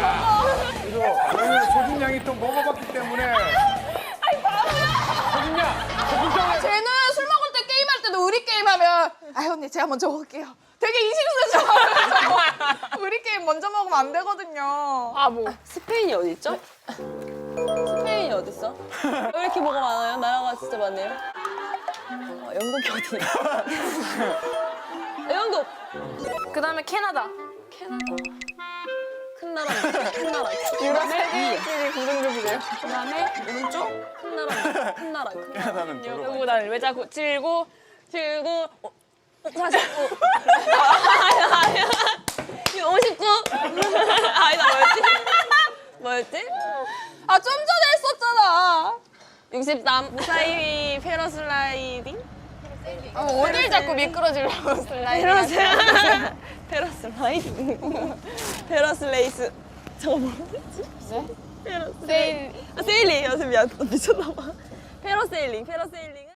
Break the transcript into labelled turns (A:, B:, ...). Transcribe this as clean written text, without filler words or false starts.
A: 저희는 소진양이 또 먹어봤기 때문에. 소진양.
B: 쟤는 술 먹을 때 게임할 때도 우리 게임하면 아 언니 제가 먼저 먹을게요. 되게 이심스러워서 우리 게임 먼저 먹으면 안 되거든요.
C: 아 뭐.
D: 스페인이 어디 있죠? 스페인이 어디 있어? 왜 이렇게 뭐가 많아요? 나라가 진짜 많네요. 영국이 어디? 영국.
C: 그다음에 캐나다.
D: 큰 나라. 큰 나라.
B: 유럽 세계일주일이 구성적이래요.
D: 그다음에 오른쪽 큰 나라. 큰 나라.
A: 나는
C: 그리고 난 왜 자꾸 79 49
D: 59. 아니다 뭐였지? 뭐였지?
B: 아 좀 전에 했었잖아.
D: 63.
C: 무사히 패러슬라이딩?
B: 어딜 자꾸 미끄러지려고 슬라이딩.
D: 페러슬라이딩. 페러슬레이스. 저거 뭐였지?
B: 세일.
D: 세일링. 아, 세일링. 미쳤나 봐. 페러세일링.